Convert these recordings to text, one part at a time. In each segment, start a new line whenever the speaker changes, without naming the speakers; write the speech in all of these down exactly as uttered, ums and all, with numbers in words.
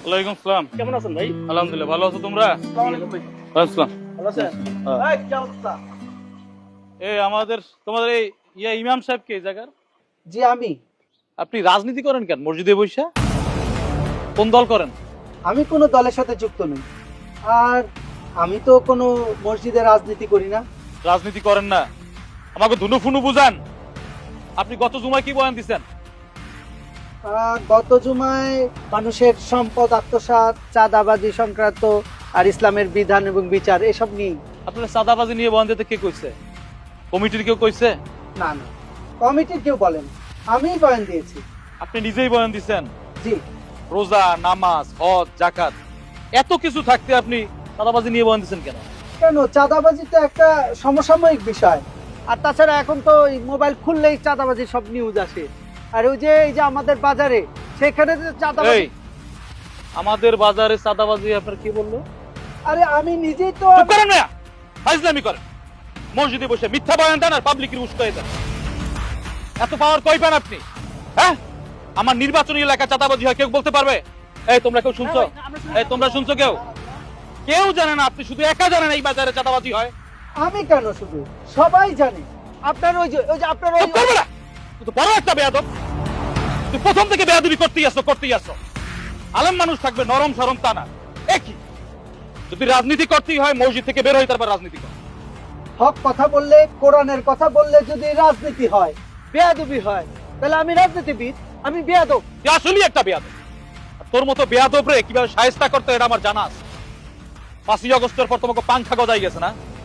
ওয়ালাইকুম আসসালাম।
কেমন আছেন ভাই?
আলহামদুলিল্লাহ, ভালো আছো তোমরা?
আসসালামু আলাইকুম ভাই।
আসসালাম।
ভালো আছেন? এই কি অবস্থা?
এই আমাদের তোমাদের এই ইয়া ইমাম সাহেব কে এই জায়গার?
জি আমি।
আপনি রাজনীতি করেন কেন মসজিদে বসে? কোন দল করেন?
আমি কোনো দলের সাথে যুক্ত নই। আর আমি তো কোনো মসজিদে রাজনীতি করি না।
রাজনীতি করেন না, আমাকে ধুনু ফুনু বুঝান। আপনি গত জুমায় কি বয়ান দিচ্ছেন?
আহ, গত জুমায় মানুষের সম্পদ আত্মসাৎ, চাঁদাবাজি সংক্রান্ত আর ইসলামের বিধান এবং বিচার এসব নিয়ে।
আপনার সাদাবাজি নিয়ে বয়ান দিতে কে কইছে? কমিটির কেউ কইছে?
না না, কমিটির কেউ বলেন, আমিই বয়ান দিয়েছি।
আপনি নিজেই বয়ান দিচ্ছেন?
জি।
রোজা, নামাজ, হজ, জাকাত এত কিছু থাকতে আপনি সাদাবাজি নিয়ে বয়ান দিচ্ছেন কেন?
কেন, চাঁদাবাজি তো একটা সমসাময়িক বিষয়। আর তাছাড়া এখন তো এই মোবাইল খুললেই চাঁদাবাজি সব নিউজ আসে। আর ওই যে এই যে আমাদের বাজারে সেখানে যে চাঁদাবাজি।
এই আমাদের বাজারে সাদাবাজি আপনার কি বললো?
আরে আমি নিজেই তো
চুপ করেন না, ফাজলামি করেন। মসজিদে বসে মিথ্যা বয়ান দেন আর পাবলিকের উস্কাই দেন। এত পাওয়ার কই পান আপনি? হ্যাঁ, আমার নির্বাচনী এলাকা চাঁদাবাজি হয় কেউ বলতে পারবে? এই তোমরা কেউ শুনছো? এই তোমরা শুনছো কেউ? কেউ জানে না, আপনি শুধু একা জানেন এই বাজারে চাঁদাবাজি হয়।
আমি কেন, শুধু সবাই জানে। আপনার ওই যে ওই যে আপনার ওই
চুপ করবে না, তুই তো বড় একটা বেয়াদব। তুই প্রথম থেকে বেয়াদবি করতেই আসছো করতেই আসছো। আলেম মানুষ থাকবে নরম সরম তা না। একই যদি রাজনীতি করতেই হয় মসজিদ থেকে বের হই, তারপর রাজনীতি কর।
হক কথা বললে, কোরআনের কথা বললে যদি রাজনীতি হয়, বেয়াদবি হয়, তাহলে আমি রাজনীতিবিদ, আমি বেয়াদব।
তুই আসলেই একটা বেয়াদব। আর তোর মতো বেয়াদব রে কিভাবে শায়েস্তা করতে হয় এটা আমার জানা আছে। পাঁচই আগস্টের পর তোমাকে পাংখা গজাই গেছে না?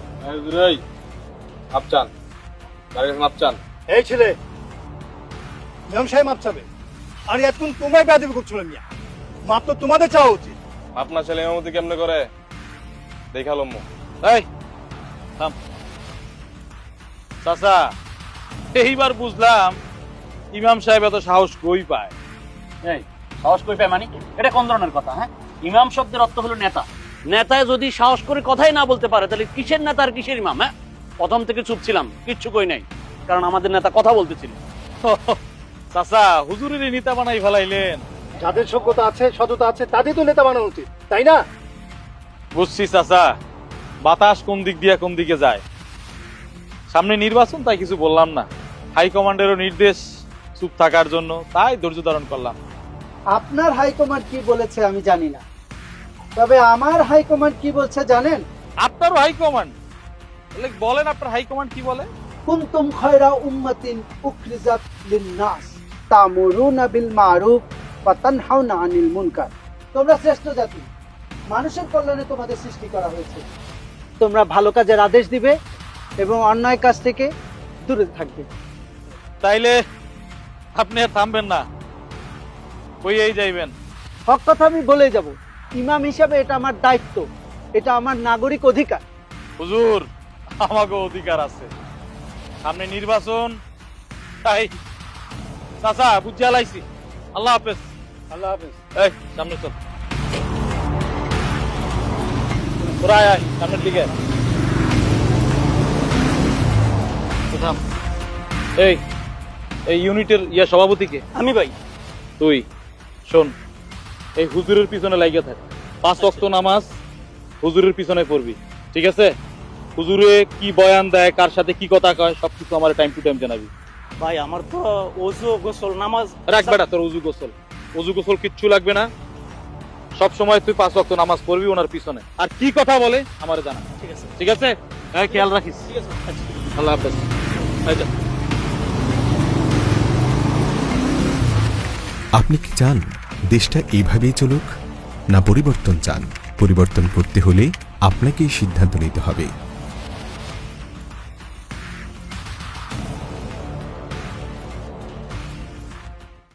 আপচান আপচান
এই ছেলে, ইমাম সাহেব মাপ চাবে। আর এতক্ষণ তোমায় বেয়াদবি করছিল মিয়া, মাপ তো তোমাদের চাওয়া উচিত।
আপনার ছেলে ইমামতি কেমনে করে দেখালাম।
এই থাম। চাচা, এইবার বুঝলাম ইমাম সাহেব এত সাহস কই পায়।
এই সাহস কই পায় মানে? এটা কোন ধরনের কথা? হ্যাঁ, ইমাম শব্দের অর্থ হলো নেতা। নেতায় যদি সাহস করে কথাই না বলতে পারে তাহলে কিসের নেতা আর কিসের ইমাম? হ্যাঁ, প্রথম থেকে চুপ ছিলাম, কিচ্ছু কই নাই, কারণ আমাদের নেতা কথা বলতেছিল।
চাচা, হুজুরের নেতা বানাই ফেলাইলেন।
যাদের যোগ্যতা আছে, সততা আছে, তাদের তো নেতা বানানো উচিত, তাই না?
বুঝছি চাচা, বাতাস কোন দিক দিয়ে কোন দিকে যায়। সামনে নির্বাচন, তাই কিছু বললাম না। হাইকমান্ডেরও নির্দেশ চুপ থাকার জন্য, তাই ধৈর্য ধারণ করলাম।
আপনার হাইকমান্ড কি বলেছে আমি জানি না, তবে আমার হাইকমান্ড কি বলছে জানেন?
আপনারও হাইকমান্ড? তাহলে বলেন আপনার হাইকমান্ড কি বলে?
কুনতুম খায়রা উম্মাতিন উখরিজাত লিন-নাস তা'মুরুনা বিল মা'রুফ ওয়া তানহাউনা আনিল মুনকার। তোমরা শ্রেষ্ঠ জাতি, মানুষের কল্যাণে তোমাদের সৃষ্টি করা হয়েছে। তোমরা ভালো কাজের আদেশ দিবে এবং অন্যায় কাজ থেকে দূরে থাকবে।
তাইলে আপনি আর থামবেন না, কইয়েই যাইবেন?
হক কথা আমি বলে যাব। ইমাম হিসাবে এটা আমার দায়িত্ব, এটা আমার নাগরিক অধিকার।
হুজুর, আমাকে অধিকার আছে। সামনে নির্বাচন, তাই চাচা বুঝিয়া লাইছি। আল্লাহ হাফেজ।
আল্লাহ হাফেজ।
এই সামনে চল, তোরা আয় আয় সামনের দিকে। থাম। এই এই ইউনিটের ইয়া সভাপতিকে?
আমি ভাই।
তুই শোন, এই হুজুরের পিছনে লাগিয়ে থাক। পাঁচ ওয়াক্ত নামাজ হুজুরের পিছনে পড়বি, ঠিক আছে? হুজুরে কি বয়ান দেয়, কার সাথে কি কথা কয়, সবকিছু আমার টাইম টু টাইম জানাবি।
ভাই আমার তো ওযু গোসল নামাজ
রাখ বেটা, তোর উজু গোসল উজু গোসল কিচ্ছু লাগবে না। সব সময় তুই পাঁচ ওয়াক্ত নামাজ পড়বি ওনার পিছনে। আর কি কথা বলে আমার জানা,
ঠিক আছে?
ঠিক আছে? হ্যাঁ, খেয়াল রাখিস।
ঠিক আছে।
আল্লাহ হাফেজ। এই যা।
আপনি কি চান দেশটা এইভাবেই চলুক, না পরিবর্তন চান? পরিবর্তন করতে হলে আপনাকেই সিদ্ধান্ত নিতে হবে।